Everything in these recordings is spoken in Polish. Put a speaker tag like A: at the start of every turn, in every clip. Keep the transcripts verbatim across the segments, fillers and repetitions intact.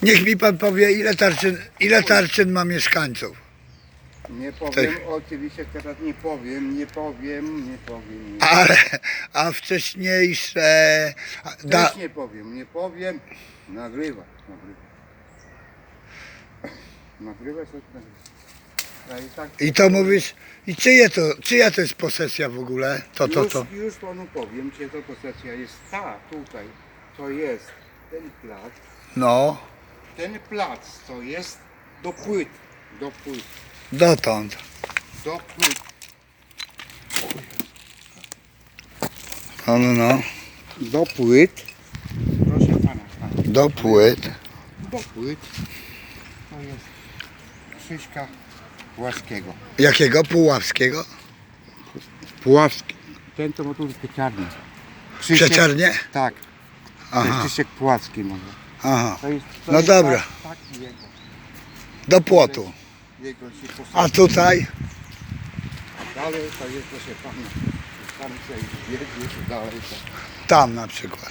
A: Niech mi pan powie, ile Tarczyn, ile Tarczyn ma mieszkańców.
B: Nie powiem, oczywiście teraz nie powiem, nie powiem, nie powiem. Nie.
A: Ale, a wcześniejsze... Da,
B: Też nie powiem, nie powiem. Nagrywa, nagrywa. Nagrywa coś, nagrywa. Ja i tak
A: I to mówisz, i czyje to, czyja to jest posesja w ogóle? To, to,
B: już,
A: to.
B: już panu powiem, że to posesja jest ta tutaj. To jest ten plac.
A: No,
B: Ten plac to jest do płyt. Do płyt.
A: dotąd.
B: Do płyt.
A: No, no, no.
B: Do płyt. Proszę pana, pana.
A: Do płyt.
B: Do płyt. To jest Krzyśka Puławskiego.
A: Jakiego? Puławskiego?
B: Puławski. Ten to ma tu pieczarnię. Krzysiek,
A: Przeciarnie?
B: tak. To
A: Aha,
B: jest Krzysiek Puławski może.
A: aha.
B: To jest, to
A: No
B: jest
A: dobra.
B: Tak, tak jego.
A: Do płotu.
B: Jego się posadzi.
A: A tutaj?
B: Dalej to jest, proszę pana. Tam się jedzie, dalej to.
A: Tam na przykład.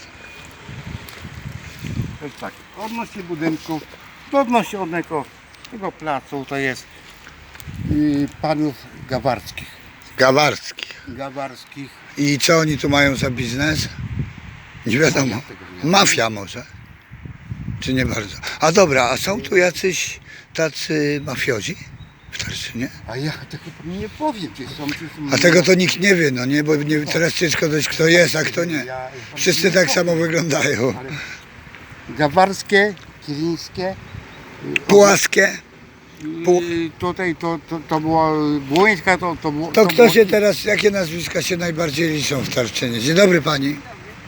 B: To jest tak. Odnośnie budynku, to odnośnie odnego tego placu to jest y, panów Gawarskich.
A: Gawarski.
B: Gawarskich.
A: I co oni tu mają za biznes? Nie wiadomo. Mafia może? Czy nie bardzo? A dobra, a są tu jacyś tacy mafiozi w Tarczynie?
B: A ja tego panu nie powiem, czy są, czy są.
A: A tego to nikt nie wie, no nie? Bo nie, teraz ciężko dojść, kto jest, a kto nie.
B: Ja-
A: Wszyscy tak samo wyglądają.
B: Ale Gawarskie, Kilińskie.
A: Płaskie. Pół-
B: I tutaj to, to, to było Błońska, to, to było.
A: To kto
B: było-
A: się teraz, jakie nazwiska się najbardziej liczą w Tarczynie? Dzień dobry pani.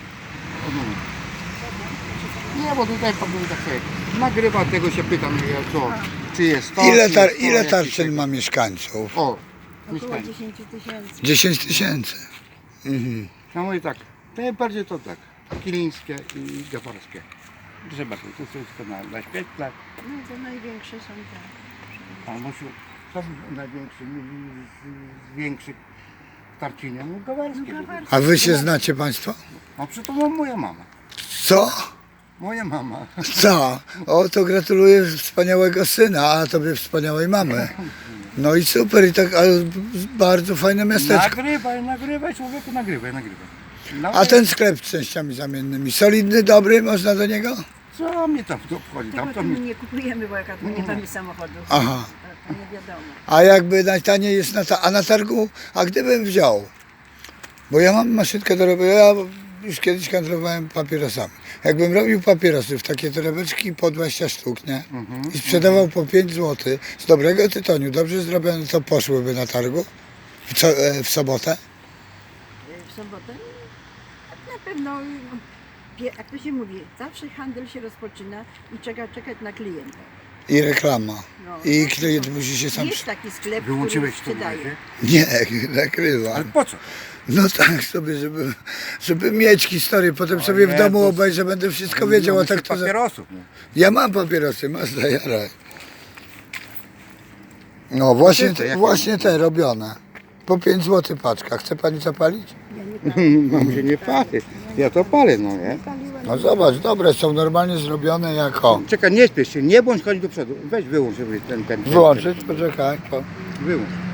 B: Nie, bo tutaj to był takie. Nagrywa tego się pytam, ja co, czy jest to.
A: Ile,
B: czy
A: tar,
B: jest to,
A: ile
B: jakiś
A: Tarczyn
B: tego-
A: ma mieszkańców?
B: O,
C: Około
B: mieszkanie.
C: dziesięć tysięcy.
A: dziesięć tysięcy. Mhm.
B: No mówię tak, najbardziej to tak. Kilińskie i Gawarskie. Proszę bardzo, to jest wszystko na, na świetle.
C: No to największe są te.
B: Pan Musiu, co największy z, z większych w Tarczynie? No Gawarskie.
C: No, Gawarskie.
A: A wy się znacie państwo?
B: A przy to mam moja mama.
A: Co?
B: Moja mama.
A: Co? O, to gratuluję wspaniałego syna, a tobie wspaniałej mamy. No i super, i tak, ale bardzo fajne miasteczko.
B: Nagrywaj, nagrywaj, człowieku, nagrywaj, nagrywaj. No,
A: A ten sklep z częściami zamiennymi, solidny, dobry, można do niego?
B: co mnie tam to obchodzi?
C: Tego
B: Tam to
C: to my
B: mi...
C: nie kupujemy, bo jak tu nie mamy samochodu.
A: Aha.
C: To, to nie wiadomo.
A: A jakby najtaniej jest na, ta, a na targu, a gdybym wziął, bo ja mam maszynkę do robienia, ja już kiedyś handlowałem papierosami. Jakbym robił papierosy w takie torebeczki po dwadzieścia sztuk, nie? I sprzedawał po pięć złotych z dobrego tytoniu, dobrze zrobione, to poszłyby na targu w, co, e, w sobotę.
C: W sobotę tak na pewno, no, pie- jak to się mówi, zawsze handel się rozpoczyna i trzeba czekać na klienta.
A: I reklama.
C: No.
A: I klient musi się sam...
C: Jest taki sklep,
B: Wyłączyłeś
C: który
B: to
C: sprzedaje.
B: razie?
A: Nie, nakrywam.
B: Ale po co?
A: No tak sobie, żeby, żeby mieć historię, potem
B: O
A: sobie w domu
B: Jezus.
A: obejrzę, będę wszystko wiedział, a tak to... za-
B: papierosów. No.
A: Ja mam papierosy, masz zajaraj. No właśnie,
B: to
A: te,
B: jakie
A: właśnie te robione. Po pięć złotych paczka. Chce pani zapalić?
C: Ja nie palię.
B: Mam się nie palę. Ja to palę, no nie?
C: Paliła,
A: No zobacz, dobre, są normalnie zrobione jako...
B: Czekaj, nie śpiesz się, nie bądź chodź do przodu. Weź wyłącz żeby ten, ten, ten.
A: Wyłączyć? Poczekaj. Po...
B: Wyłącz.